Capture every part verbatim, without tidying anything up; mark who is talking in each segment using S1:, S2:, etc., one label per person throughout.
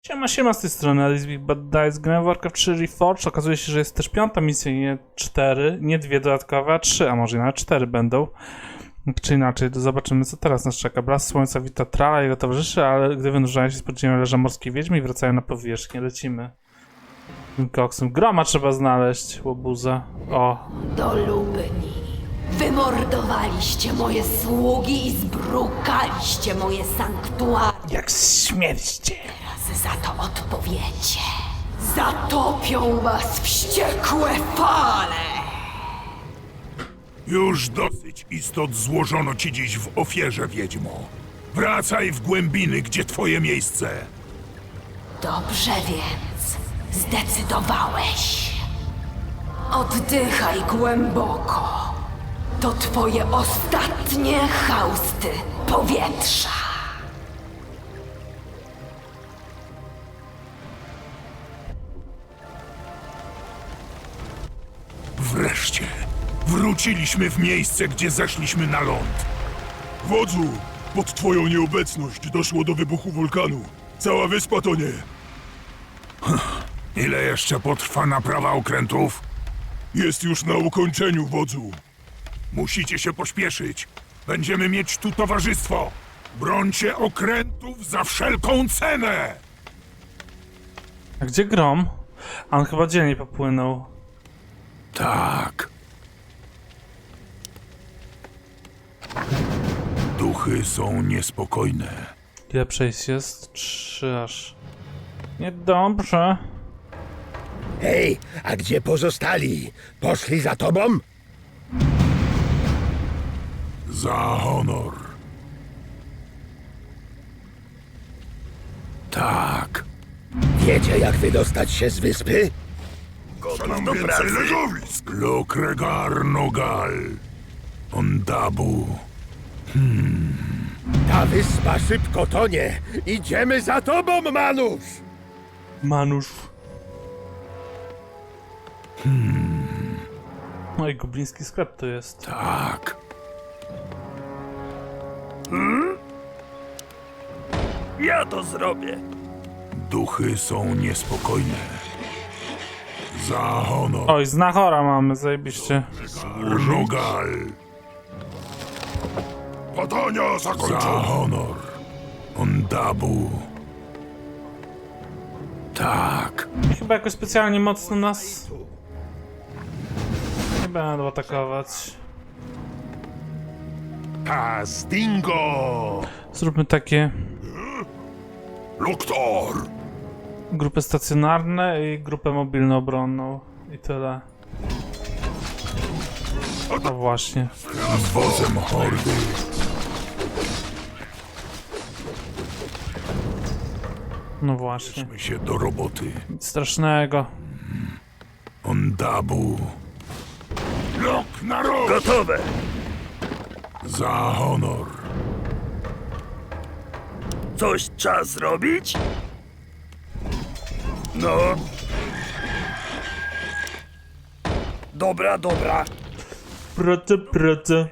S1: Siema, siema z tej strony Alice Big Bad Dice. Grałem w Warcraft trzy Reforged. Okazuje się, że jest też piąta misja, nie cztery, nie dwie dodatkowe, a trzy, a może nawet cztery będą. Czy inaczej, to zobaczymy, co teraz nas czeka. Blask Słońca wita Trala i jego towarzyszy, ale gdy wynurzają się z podziemia leża morskie wiedźmy i wracają na powierzchnię, lecimy. Tym koksem. Groma trzeba znaleźć, łobuza. O.
S2: Do Lubni. Wymordowaliście moje sługi i zbrukaliście moje sanktuarium.
S1: Jak śmierćcie.
S2: Teraz za to odpowiecie. Zatopią was wściekłe fale.
S3: Już dosyć istot złożono ci dziś w ofierze, wiedźmo. Wracaj w głębiny, gdzie twoje miejsce.
S2: Dobrze więc, zdecydowałeś. Oddychaj głęboko. To twoje ostatnie hausty powietrza.
S3: Wreszcie wróciliśmy w miejsce, gdzie zeszliśmy na ląd.
S4: Wodzu, pod twoją nieobecność doszło do wybuchu wulkanu. Cała wyspa tonie.
S3: Ile jeszcze potrwa naprawa okrętów?
S4: Jest już na ukończeniu, wodzu.
S3: Musicie się pośpieszyć. Będziemy mieć tu towarzystwo. Brońcie okrętów za wszelką cenę!
S1: A gdzie Grom? A on chyba dzielnie popłynął.
S3: Tak. Duchy są niespokojne.
S1: Ile przejść jest? Trzy aż. Niedobrze.
S5: Hej, a gdzie pozostali? Poszli za tobą?
S3: Za honor. Tak.
S5: Wiecie, jak wydostać się z wyspy?
S3: Gotów do pracy. Legowisk. Lokregar Nogal. Ondabu.
S5: Ta wyspa szybko tonie. Idziemy za tobą, Manusz!
S1: Manusz. Hmm. No i gobliński sklep to jest.
S3: Tak.
S6: Ja to zrobię.
S3: Duchy są niespokojne. Za honor.
S1: Oj, znachora mamy, zajebiście.
S3: Nogal.
S4: Badania
S3: Za
S4: zakończone.
S3: honor. Ondabu. Tak.
S1: Chyba jakoś specjalnie mocno nas nie będą atakować.
S4: Castingo!
S1: Zróbmy takie
S4: Loktor!
S1: grupy stacjonarne i grupę mobilno-obronną. I tyle. No właśnie.
S3: Z wozem hordy.
S1: No właśnie.
S3: Bierzmy się do roboty.
S1: Nic strasznego.
S3: Ondabu. Lok na rok.
S6: Gotowe.
S3: Za honor.
S6: Coś trzeba zrobić? No. Dobra, dobra.
S1: Prote, prote.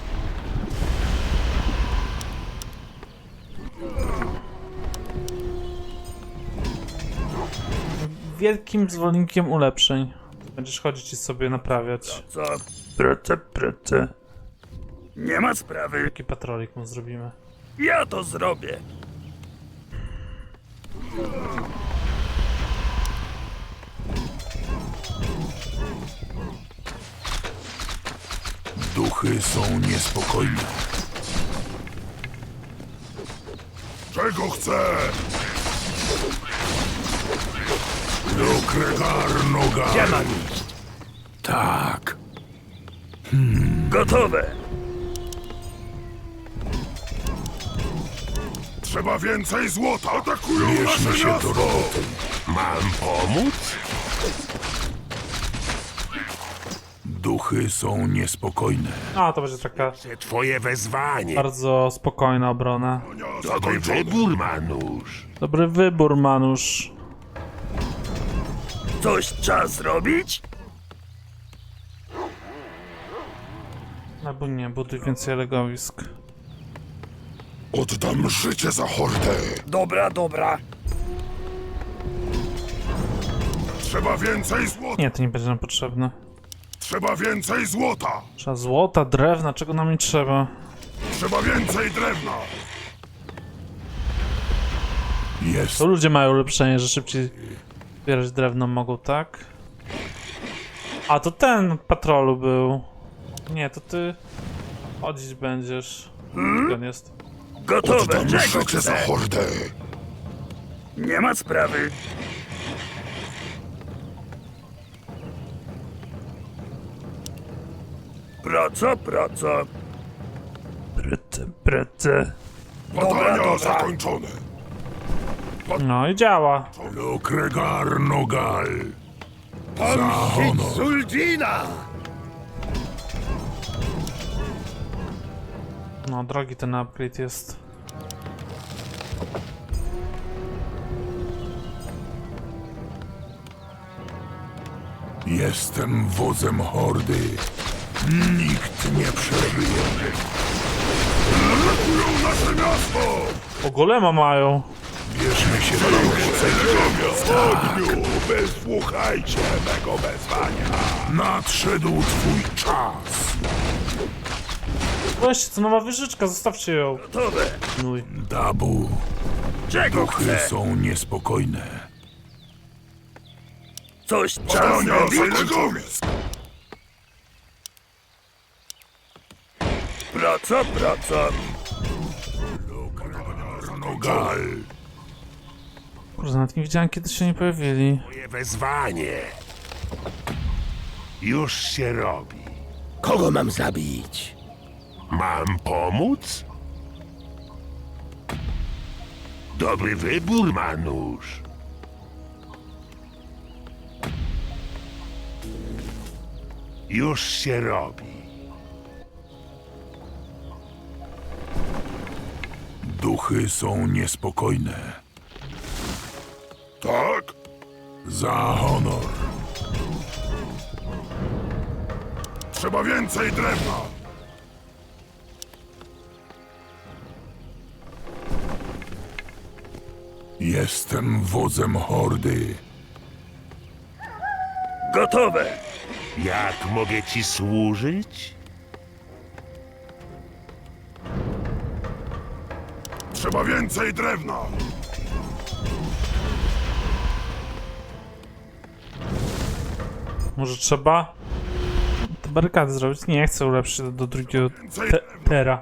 S1: Wielkim zwolennikiem ulepszeń. Będziesz chodzić i sobie naprawiać.
S6: Co? Prece, prece. Nie ma sprawy.
S1: Jaki patrolik mu zrobimy.
S6: Ja to zrobię.
S3: Duchy są niespokojne.
S4: Czego chcę?
S3: Lokregar Nogal.
S6: Gdzie mam iść?
S3: Tak.
S6: Gotowe.
S4: Trzeba więcej złota! Atakują
S3: Bierzmy
S4: nasze
S3: się do
S4: miasto!
S3: roboty.
S4: Mam pomóc?
S3: Duchy są niespokojne.
S1: A, to będzie taka
S4: Twoje wezwanie.
S1: bardzo spokojna obrona.
S4: Dobry wybór, Manusz.
S1: Dobry wybór, Manusz.
S6: Coś trzeba zrobić?
S1: Albo nie, buduj więcej legowisk.
S4: Oddam życie za hordę.
S6: Dobra, dobra.
S3: Trzeba więcej złota!
S1: Nie, to nie będzie nam potrzebne.
S3: Trzeba więcej złota!
S1: Trzeba złota, drewna, czego nam nie trzeba?
S3: Trzeba więcej drewna! Jest.
S1: To ludzie mają ulepszenie, że szybciej zbierać drewno mogą, tak? A to ten patrolu był. Nie, to ty chodzić będziesz. Gdzie on jest?
S6: Gotowe, czego
S3: Rzeczy za
S6: chce?
S3: hordę!
S6: Nie ma sprawy. Praca, praca. Praca, praca.
S3: Badania zakończone!
S1: No i działa.
S3: Lokregar Nogal!
S5: Pomścić Zuldina!
S1: No, drogi ten upgrade jest.
S3: Jestem wodzem hordy. Nikt nie przeżyje. Atakują nasze miasto!
S1: O, golema mają.
S3: Bierzmy się do roboty. Ogniu, wysłuchajcie mego wezwania. Nadszedł twój czas.
S1: Weźcie, to nowa wieżyczka, zostawcie ją.
S6: Gotowe.
S1: Nuj.
S3: Dabu,
S6: Czego
S3: duchy
S6: chce?
S3: są niespokojne.
S6: Coś czas robić? Praca, praca.
S3: Nogal.
S1: Kurde, nawet nie widziałem, kiedy się nie pojawili.
S7: Moje wezwanie już się robi.
S5: Kogo mam zabić?
S7: Mam pomóc? Dobry wybór, Manusz. Już się robi.
S3: Duchy są niespokojne. Tak? Za honor. Trzeba więcej drewna. Jestem wodzem hordy.
S6: Gotowe.
S7: Jak mogę ci służyć?
S3: Trzeba więcej drewna.
S1: Może trzeba te barykady zrobić? Nie, chcę ulepszyć do, do drugiego
S3: Więcej
S1: te
S3: drewna.
S1: tera.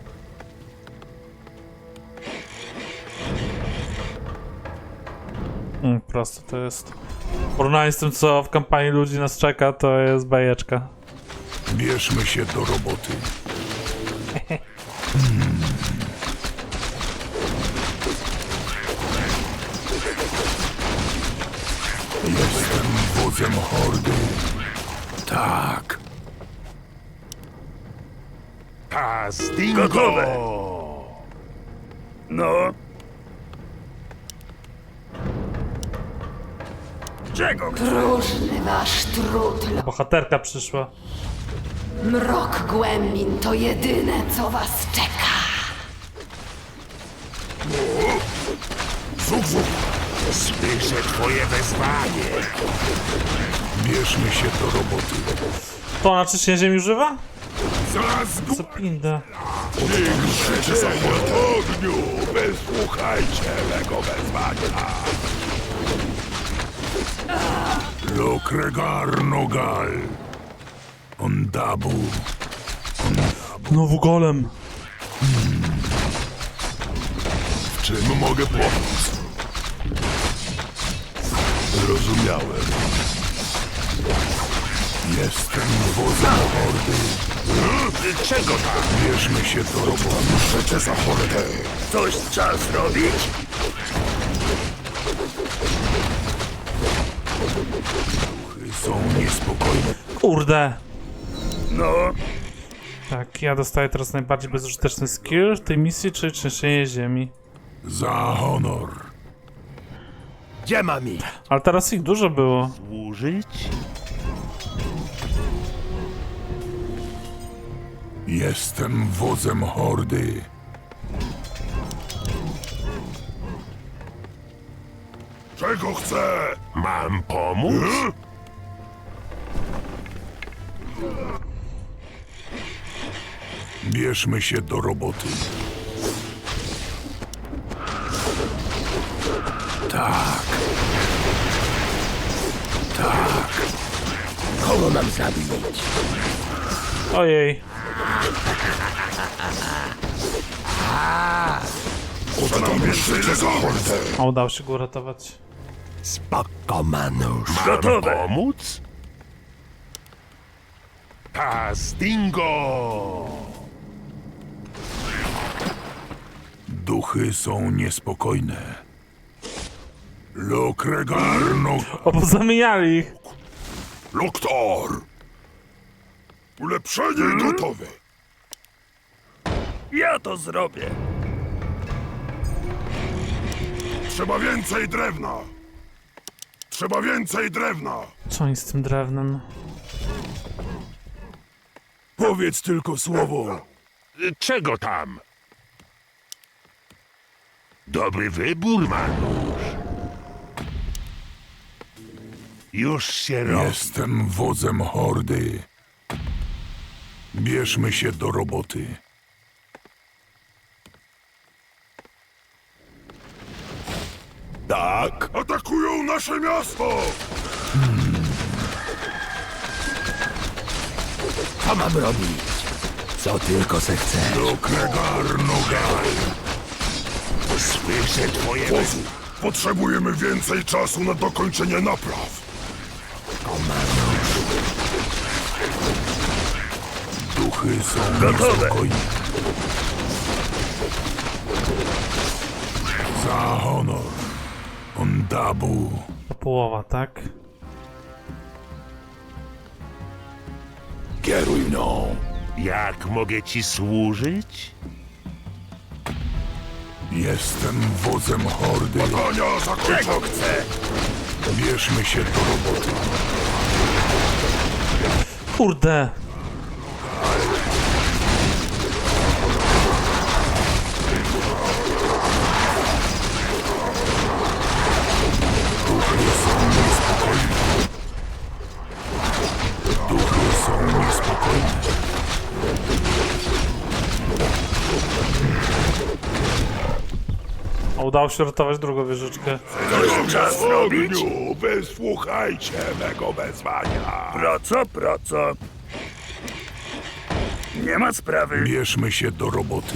S1: Mm, prosto to jest. W porównaniu z tym, co w kampanii ludzi nas czeka, to jest bajeczka.
S3: Bierzmy się do roboty. Hmm. Jestem wodzem hordy. Tak.
S7: Castingo!
S6: Gotowe. No. Czego chce?
S2: Próżny wasz trud. lo-
S1: Bohaterka przyszła.
S2: Mrok głębin to jedyne, co was czeka.
S3: Zuk, zuk.
S7: Słyszę twoje wezwanie.
S3: Bierzmy się do roboty.
S1: To ona czyścienie ziemi używa?
S3: Zaraz
S1: Co pinda.
S3: niech życie za ogniu. Wysłuchajcie mego wezwania. Lokregar Nogal. Ondabu.
S1: Znowu golem.
S3: W czym mogę pomóc? Zrozumiałem. Jestem wodzem hordy.
S7: Czego tam?
S3: Bierzmy się do roboty. Życie za hordę.
S6: Coś czas robić?
S3: Duchy są niespokojne.
S1: Kurde.
S6: No.
S1: Tak, ja dostaję teraz najbardziej bezużyteczny skill w tej misji, czyli czyszczenie ziemi.
S3: Za honor.
S5: Gdzie mam ich?
S1: Ale teraz ich dużo było.
S7: Służyć?
S3: Jestem wodzem hordy. Czego chce?
S7: Mam pomóc?
S3: Bierzmy się do roboty. Tak. Tak.
S5: Kogo mam zabić?
S1: Ojej.
S3: Oddamy życie za hordę.
S1: A udało się go uratować.
S5: Spoko, Manusz.
S7: Mam pomóc? Castingo!
S3: Duchy są niespokojne. Lokregarno...
S1: O, pozamieniali ich.
S3: Loktor! Ulepszenie gotowe.
S6: Ja to zrobię.
S3: Trzeba więcej drewna. Trzeba więcej drewna.
S1: Co oni z tym drewnem?
S3: Powiedz tylko słowo.
S7: Czego tam? Dobry wybór, Manusz. Już się robi.
S3: Jestem wodzem hordy. Bierzmy się do roboty. Tak. Atakują nasze miasto!
S5: Co mam robić? Co tylko se chcę.
S3: Lokregarnogal.
S7: Słyszę twoje
S3: Wozu, potrzebujemy więcej czasu na dokończenie napraw. Duchy są niespokojne. Za honor. Ondabu.
S1: To połowa, tak?
S3: Kieruj mną.
S7: Jak mogę ci służyć?
S3: Jestem wodzem hordy. Badania zakończone. Chcę. Bierzmy się do roboty.
S1: Kurde.
S3: Duchy są niespokojne. Duchy są niespokojne.
S1: A udało się ratować drugą wieżyczkę.
S3: Czas robić? Wysłuchajcie mego wezwania.
S6: Praca, praca. Nie ma sprawy.
S3: Bierzmy się do roboty.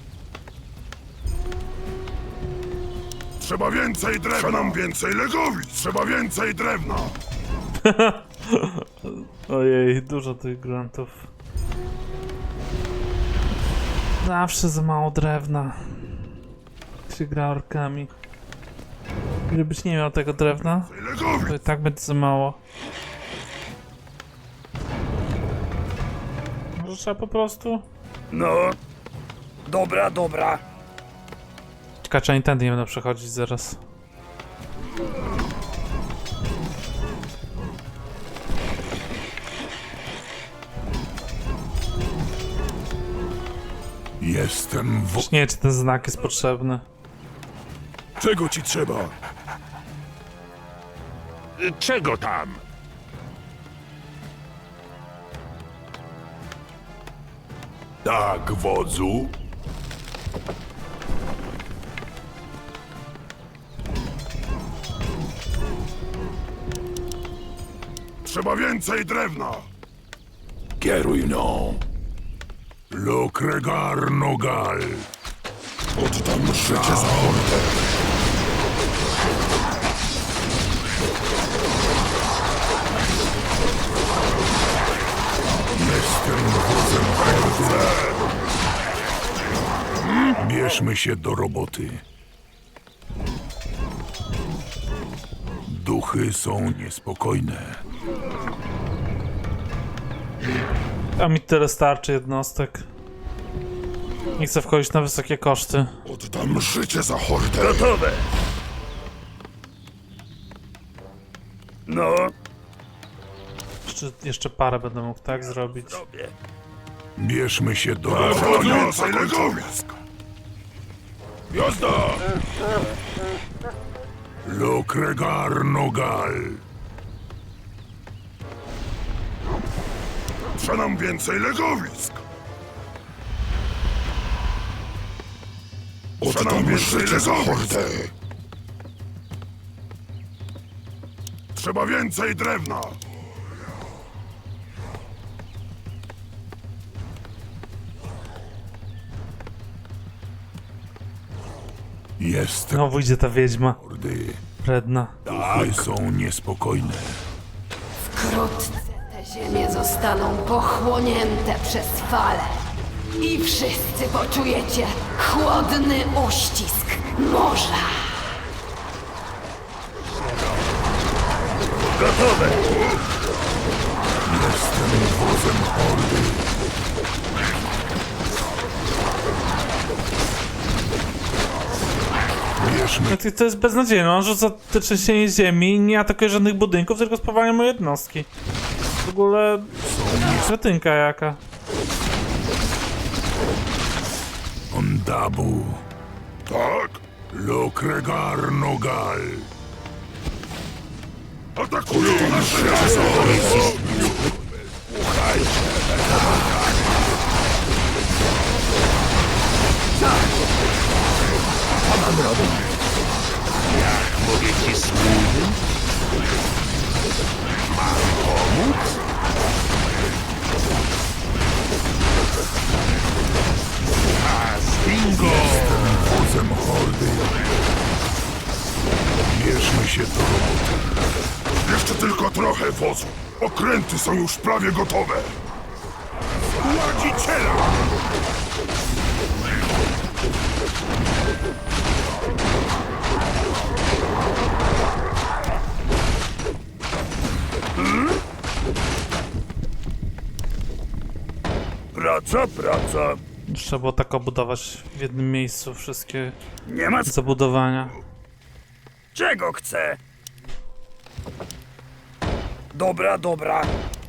S3: Trzeba więcej drewna. Trzeba nam więcej legowic. Trzeba więcej drewna.
S1: Ojej, dużo tych gruntów. Zawsze za mało drewna. Jak się gra orkami. Gdybyś nie miał tego drewna,
S3: Legowic.
S1: to i tak będzie za mało. Może trzeba po prostu...
S6: No. Dobra, dobra.
S1: Ciekawe, czy oni tędy nie będą przechodzić zaraz.
S3: Jestem wo...
S1: Już nie wiem, czy ten znak jest potrzebny.
S3: Czego ci trzeba?
S7: Czego tam?
S3: Tak, wodzu. Trzeba więcej drewna. Kieruj mną. Lokregarnogal. Oddam życie za hordę. Jestem wodzem hordy. Bierzmy się do roboty. Duchy są niespokojne.
S1: A mi tyle starczy jednostek. Nie chcę wchodzić na wysokie koszty.
S3: Oddam życie za hordę.
S6: Gotowe. No,
S1: Jeszcze, jeszcze parę będę mógł tak zrobić.
S6: robię.
S3: Bierzmy się do roboty. Więcej legowisk. Jazda! Lokregar Nogal. Trzeba nam więcej legowisk. Trzeba nam więcej legowisk. Trzeba więcej drewna. Jestem
S1: Znowu idzie ta wiedźma.
S3: hordy.
S1: Wredna.
S3: Duchy są niespokojne.
S2: Wkrótce te ziemie zostaną pochłonięte przez fale. I wszyscy poczujecie chłodny uścisk morza.
S5: Gotowe!
S3: Jestem wozem hordy. Bierzmy
S1: No to- To jest beznadziejne. On rzuca te trzęsienie ziemi i nie atakuje żadnych budynków, tylko spowalnia moje jednostki. W ogóle... Kretynka jaka.
S3: Ondabu. Tak? Lokregar Nogal. Atakują nasze miasto!
S7: Mogę ci służyć? Mam pomóc? A, Stingo!
S3: Wozem hordy. Bierzmy się do roboty. Jeszcze tylko trochę wozu. Okręty są już prawie gotowe. Ładziciela!
S6: Praca, praca.
S1: Trzeba było tak obudować w jednym miejscu wszystkie
S6: Nie ma c-
S1: zabudowania.
S6: czego chce. Dobra, dobra.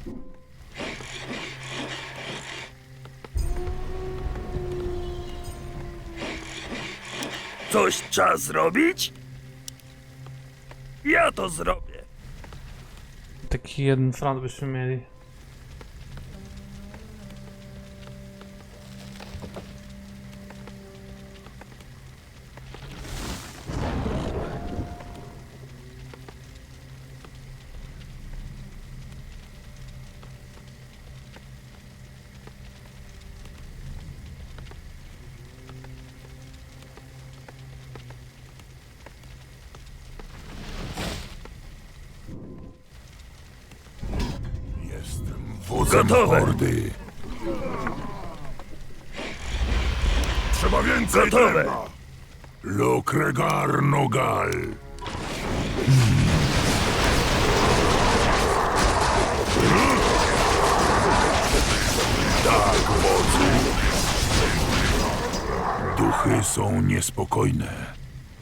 S6: Coś trzeba zrobić? Ja to zrobię.
S1: Taki jeden front byśmy mieli.
S3: Jestem wozem
S6: Gotowe.
S3: hordy. Trzeba więcej
S6: Gotowe.
S3: drewna. Lokregar Nogal. Tak, wodzu. Duchy są niespokojne.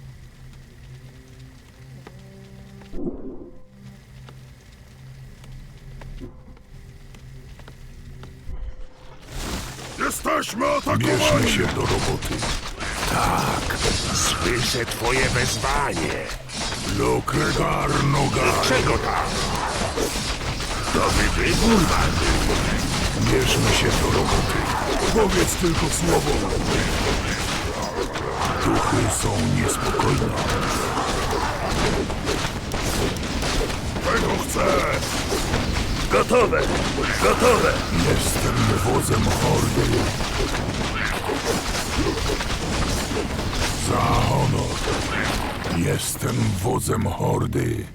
S3: Jesteśmy atakowani! Bierzmy się do roboty. Tak,
S7: Słyszę twoje wezwanie.
S3: Lokregar Nogal.
S7: Czego tam? Dobry wybór, Manu.
S3: Bierzmy się do roboty. Powiedz tylko słowo. Duchy są niespokojne. Czego chcę?
S6: Gotowe, gotowe.
S3: Jestem wozem hordy. Za honor. Jestem wozem hordy.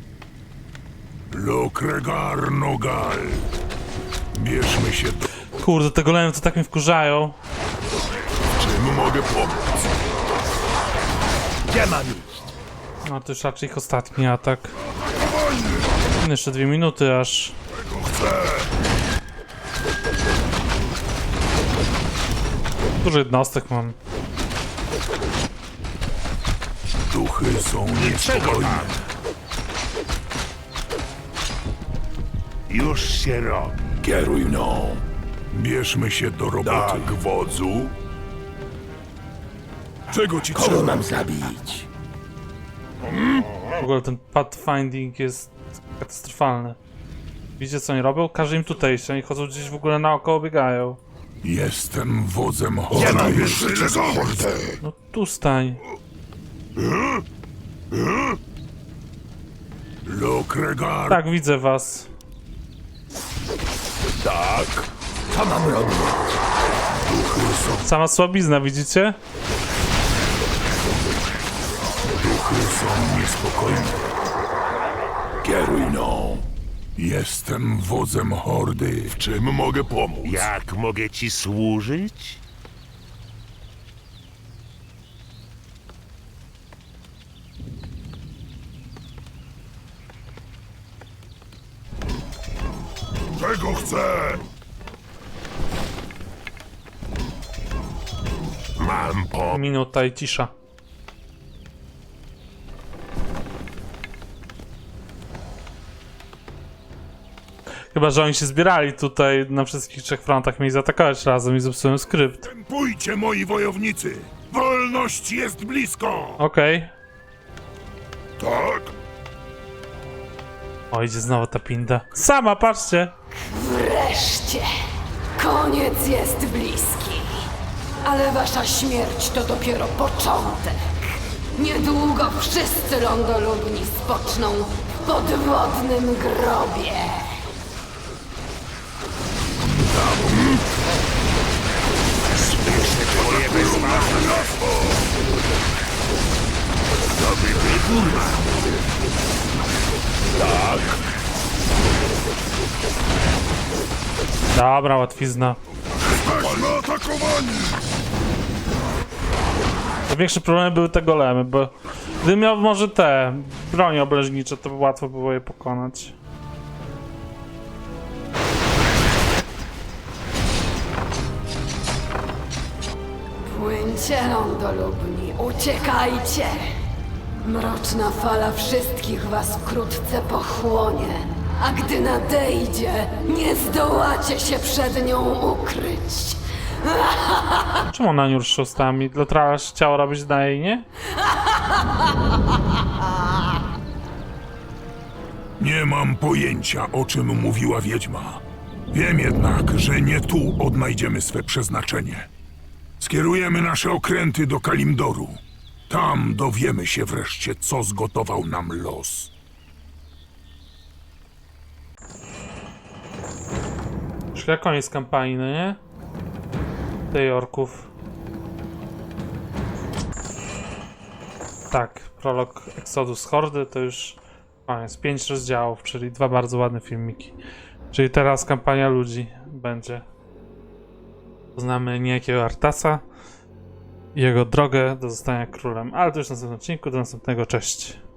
S3: Lokregar Nogal. Bierzmy się do...
S1: Kurde, te golemy to tak mnie wkurzają.
S3: Czym mogę pomóc?
S6: Gdzie mam iść?
S1: No to już raczej ich ostatni atak. Jeszcze dwie minuty aż.
S3: Czego chcę?
S1: Dużo jednostek mam.
S3: Duchy są
S7: Czego
S3: niespokojne.
S7: tam? Już się robi.
S3: Kieruj mną. Bierzmy się do roboty. Tak, wodzu. Czego ci
S5: Kogo
S3: trzeba?
S5: mam zabić?
S1: W ogóle ten pathfinding jest katastrofalny. Widzicie co oni robią? Każe im tutaj iść, oni chodzą gdzieś w ogóle naokoło, biegają.
S3: Jestem wodzem
S7: Nie
S3: hordy.
S7: mam tyle za hordę.
S1: No tu stań.
S3: Lokregar.
S1: Tak, widzę was.
S3: Tak.
S5: Co mam robić?
S1: Sama słabizna, widzicie?
S3: Duchy są niespokojne. Kieruj no. Jestem wodzem hordy.
S4: W czym mogę pomóc?
S7: Jak mogę ci służyć?
S4: Czego chcę?
S7: Mam po...
S1: Minuta i cisza. Chyba, że oni się zbierali tutaj na wszystkich trzech frontach, mieli zaatakować razem i zepsułem skrypt.
S3: Pójdźcie, moi wojownicy. Wolność jest blisko.
S1: Okej.
S3: Tak.
S1: O, idzie znowu ta pinda. Sama, patrzcie!
S2: Wreszcie! Koniec jest bliski. Ale wasza śmierć to dopiero początek. Niedługo wszyscy lądolubni spoczną w podwodnym grobie.
S7: Słyszę twoje wezwanie. Dobry wybór mam.
S1: Dobra, łatwizna.
S4: Jesteśmy atakowani!
S1: Największe problemy były te golemy, bo gdybym miał może te bronie obleżnicze, to by łatwo było je pokonać.
S2: Płyńcie, lądolubni, uciekajcie! Mroczna fala wszystkich was wkrótce pochłonie, a gdy nadejdzie, nie zdołacie się przed nią ukryć.
S1: Czemu ona nie rusza ustami? Lotrala chciała robić na jej, nie?
S3: Nie mam pojęcia, o czym mówiła wiedźma. Wiem jednak, że nie tu odnajdziemy swe przeznaczenie. Skierujemy nasze okręty do Kalimdoru. Tam dowiemy się wreszcie, co zgotował nam los.
S1: Już jak koniec kampanii, no nie? Tej orków. Tak, prolog Exodus Hordy to już koniec. Pięć rozdziałów, czyli dwa bardzo ładne filmiki. Czyli teraz kampania ludzi będzie. Poznamy niejakiego Artasa i jego drogę do zostania królem. Ale to już w następnym odcinku. Do następnego. Cześć.